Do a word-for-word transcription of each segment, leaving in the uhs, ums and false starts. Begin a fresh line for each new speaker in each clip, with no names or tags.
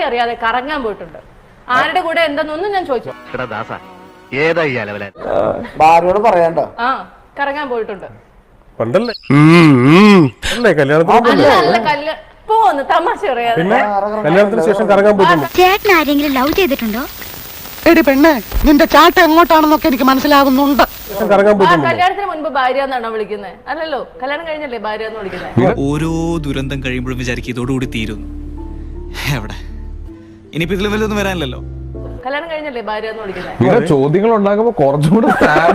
അറിയാതെ കറങ്ങാൻ പോയിട്ടുണ്ട്. ആരുടെ കൂടെ എന്തെന്നൊന്നും ഞാൻ ചോദിച്ചു.
ഭാര്യയോട് പറയണ്ട.
ആ കറങ്ങാൻ പോയിട്ടുണ്ട്.
പണ്ടല്ലേ കല്യാണത്തിന്
പോന്ന് തമാശ പറയാതെ.
കല്യാണത്തിന് ശേഷം കറങ്ങാൻ പോയിട്ടുണ്ട്.
ചേട്ടൻ ആരെങ്കിലും ലവ് ചെയ്തിട്ടുണ്ടോ?
എടി പെണ്ണെ, നിന്റെ ചാട്ട എങ്ങോട്ടാണെന്നൊക്കെ എനിക്ക് മനസ്സിലാകുന്നുണ്ട്.
കല്യാണത്തിന് മുൻപ് ഭാര്യ എന്നാണോ വിളിക്കുന്നത്? അല്ലല്ലോ, കല്യാണം കഴിഞ്ഞല്ലേ ഭാര്യ എന്ന് വിളിക്കുന്നത്.
ഓരോ ദുരന്തം കഴിയുമ്പോഴും വിചാരിക്കും ഇതോടുകൂടി തീരുന്നു. എവിടെ ഇനിയിപ്പോ ഇതിലും വല്ലതൊന്നും വരാനില്ലല്ലോ.
കല്യാണം കഴിഞ്ഞല്ലേ ഭാര്യ എന്ന് വിളിക്കുന്നത്.
ചോദ്യങ്ങൾ ഉണ്ടാകുമ്പോ കുറച്ചുകൂടെ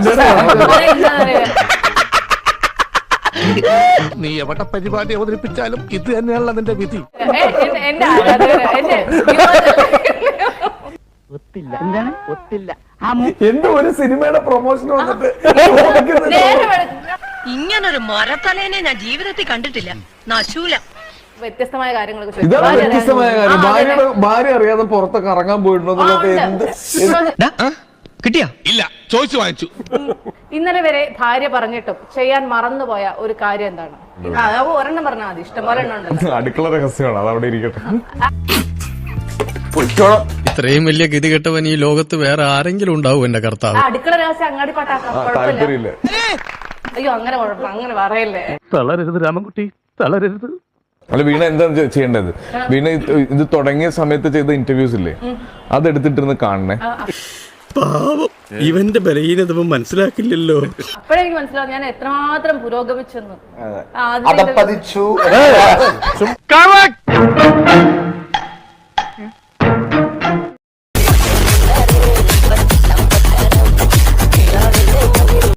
നീ എവിടെ പരിപാടി അവതരിപ്പിച്ചാലും ഇത് തന്നെയാണല്ലോ നിന്റെ വിധി.
എന്റെ ആരാധകര് എന്റെ
എന്തോ ഒരു സിനിമയുടെ പ്രൊമോഷൻ വന്നിട്ട്
ഇങ്ങനൊരു മരത്തലേനെ ഞാൻ ജീവിതത്തിൽ കണ്ടിട്ടില്ല. നശൂല
വ്യത്യസ്തമായ കാര്യങ്ങളൊക്കെ.
ഇതാണ് വ്യത്യസ്തമായ കാര്യം. ഭാര്യയുടെ ഭാര്യ അറിയാതെ പുറത്തൊക്കെ ഇറങ്ങാൻ പോയിട്ടുണ്ടോ എന്ത്
കിട്ടിയാ?
ഇല്ല, ചോദിച്ചു വാങ്ങിച്ചു.
ഇന്നലെ വരെ ഭാര്യ പറഞ്ഞിട്ടും ചെയ്യാൻ മറന്നുപോയ ഒരു കാര്യം എന്താണ്? ഒരെണ്ണം പറഞ്ഞാൽ മതി, ഇഷ്ടം പോലെ എണ്ണം ഉണ്ട്.
അടുക്കള രഹസ്യമാണ്, അതവിടെ ഇരിക്കട്ടെ.
ഇത്രയും വലിയ ഗതികെട്ടവൻ ഈ ലോകത്ത് വേറെ ആരെങ്കിലും ഉണ്ടാവും എന്റെ കർത്താവ്.
അടുക്കള രഹസ്യം അങ്ങാടി പാട്ടാക്കാം.
താല്പര്യമില്ല.
അയ്യോ അങ്ങനെ കുഴപ്പം, അങ്ങനെ പറയല്ലേ.
തളരരുത് രാമൻകുട്ടി, തളരരുത്.
അല്ല, വീണ എന്താണ് ചെയ്യേണ്ടത്? വീണ ഇത് തുടങ്ങിയ സമയത്ത് ചെയ്ത ഇന്റർവ്യൂസ് ഇല്ലേ, അതെടുത്തിട്ടിരുന്ന് കാണണേ.
പാവം, ഇവന്റെ ബലഹീനത മനസ്സിലാക്കില്ലല്ലോ.
അപ്പോഴെനിക്ക് മനസ്സിലാവും ഞാൻ എത്രമാത്രം പുരോഗമിച്ചെന്ന്.
അതപ്പതിച്ചു.